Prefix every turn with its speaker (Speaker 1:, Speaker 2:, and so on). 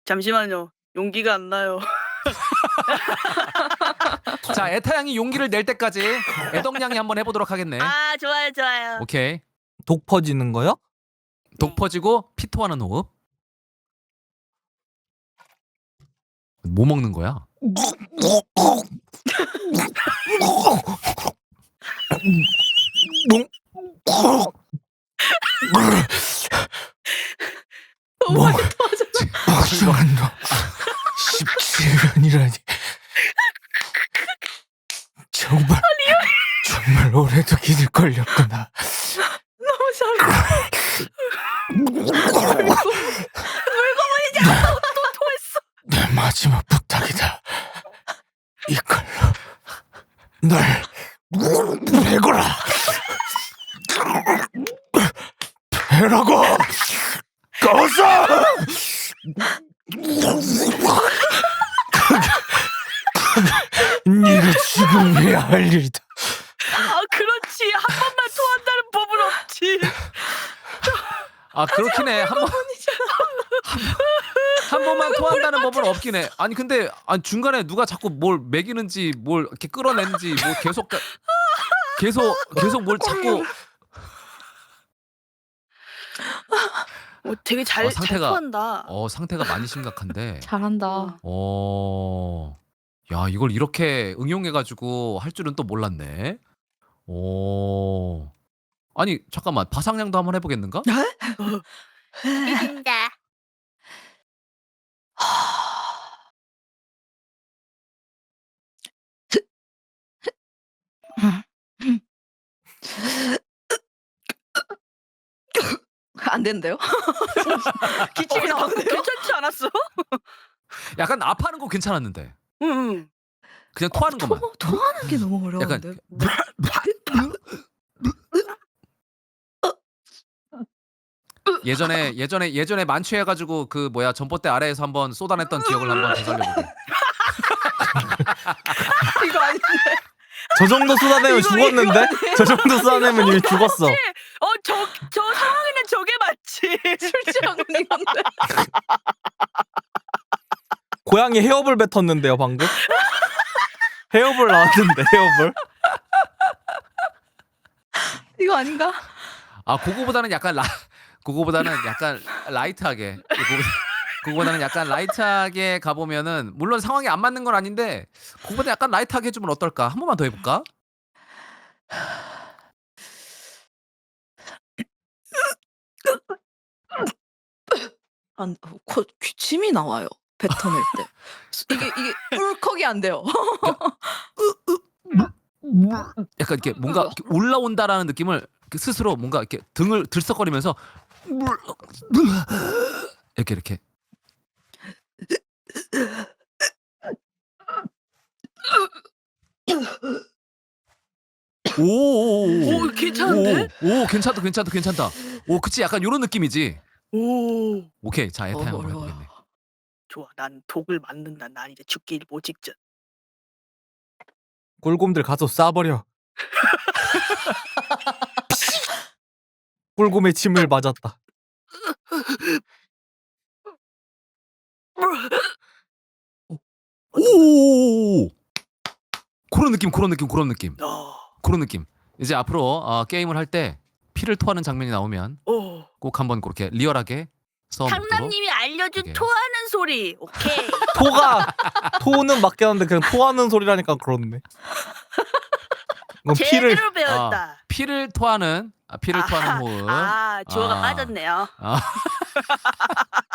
Speaker 1: 잠시만요. 용기가 안 나요.
Speaker 2: 자, 에타 양이 용기를 낼 때까지 애덕 양이 한번 해보도록 하겠네.
Speaker 1: 아, 좋아요, 좋아요.
Speaker 2: 오케이.
Speaker 3: 독 퍼지는 거요?
Speaker 2: 독 퍼지고 피 토하는 호흡. 뭐 먹는 거야?
Speaker 1: 너무 많이 도와줘.
Speaker 3: 박수한다. 17년이라니. 정말 오래도 기들 걸렸구나.
Speaker 1: 너무 잘해. 물고문이잖아. 또 토했어.
Speaker 3: 내 마지막 부탁이다. 이걸로 날 베거라. 베라고. 꺼서. 네가 지금 해야 할 일이다.
Speaker 1: 아, 그렇지. 한 번만 토한다는 법은 없지.
Speaker 2: 아, 그렇긴 해. 한 번만 토한다는 법은 없긴 해. 아니 근데 중간에 누가 자꾸 뭘 먹이는지 뭘 이렇게 끌어내는지 뭐 계속 뭘 자꾸
Speaker 1: 되게 잘 토한다.
Speaker 2: 상태가 많이 심각한데.
Speaker 4: 잘한다.
Speaker 2: 야, 이걸 이렇게 응용해가지고 할 줄은 또 몰랐네. 아니 잠깐만, 바상량도 한번 해보겠는가?
Speaker 1: 이긴다.
Speaker 4: 안 된대요?
Speaker 1: 기침이 나오네요. 괜찮지 않았어?
Speaker 2: 약간 아파하는 거 괜찮았는데.
Speaker 1: 응.
Speaker 2: 그냥 토하는 것만.
Speaker 4: 토하는 게 너무 어려운데.
Speaker 2: 예전에 만취해가지고 그 뭐야 전봇대 아래에서 한번 쏟아냈던 기억을 한번 되살려보게.
Speaker 4: 이거 아닌데.
Speaker 3: 저 정도 쏟아내면 죽었는데? 저 정도 쏟아내면 이미 죽었어.
Speaker 1: 저 상황에는 저게 맞지.
Speaker 4: 술 취한 건 이건데.
Speaker 3: 고양이 헤어볼 뱉었는데요 방금? 헤어볼 나왔는데 헤어볼?
Speaker 4: 이거 아닌가?
Speaker 2: 그거보다는 약간 라이트하게. 그거보다는 약간 라이트하게 가보면은, 물론 상황이 안 맞는 건 아닌데 그거보다 약간 라이트하게 해주면 어떨까? 한 번만 더 해볼까?
Speaker 4: 기침이 나와요. 뱉어낼 때. 이게 울컥이 안 돼요.
Speaker 2: 약간 이렇게 뭔가 이렇게 올라온다라는 느낌을 스스로 뭔가 이렇게 등을 들썩거리면서 이렇게 오,
Speaker 1: 괜찮은데?
Speaker 2: 오, 괜찮다. 오, 그치, 약간 요런 느낌이지.
Speaker 1: 오,
Speaker 2: 오케이, 자, 에타 한번
Speaker 4: 어려워요.
Speaker 2: 해보겠네.
Speaker 1: 좋아. 난 독을 맞는다. 난 이제 죽기 일보 직전.
Speaker 3: 꿀곰들 가서 쏴버려. 꿀곰의 침을 맞았다.
Speaker 2: 오, 그런 느낌. 그런 느낌. 이제 앞으로 게임을 할 때 피를 토하는 장면이 나오면 꼭 한번 그렇게 리얼하게 써먹도록.
Speaker 1: 상남님이 알려준
Speaker 2: 오케이.
Speaker 1: 토하는 소리. 오케이.
Speaker 3: 토는 맞겠는데 그냥 토하는 소리라니까 그렇네. 이건 피를
Speaker 1: 제대로 배웠다.
Speaker 2: 피를 토하는 호흡.
Speaker 1: 주어가
Speaker 2: 아.
Speaker 1: 빠졌네요.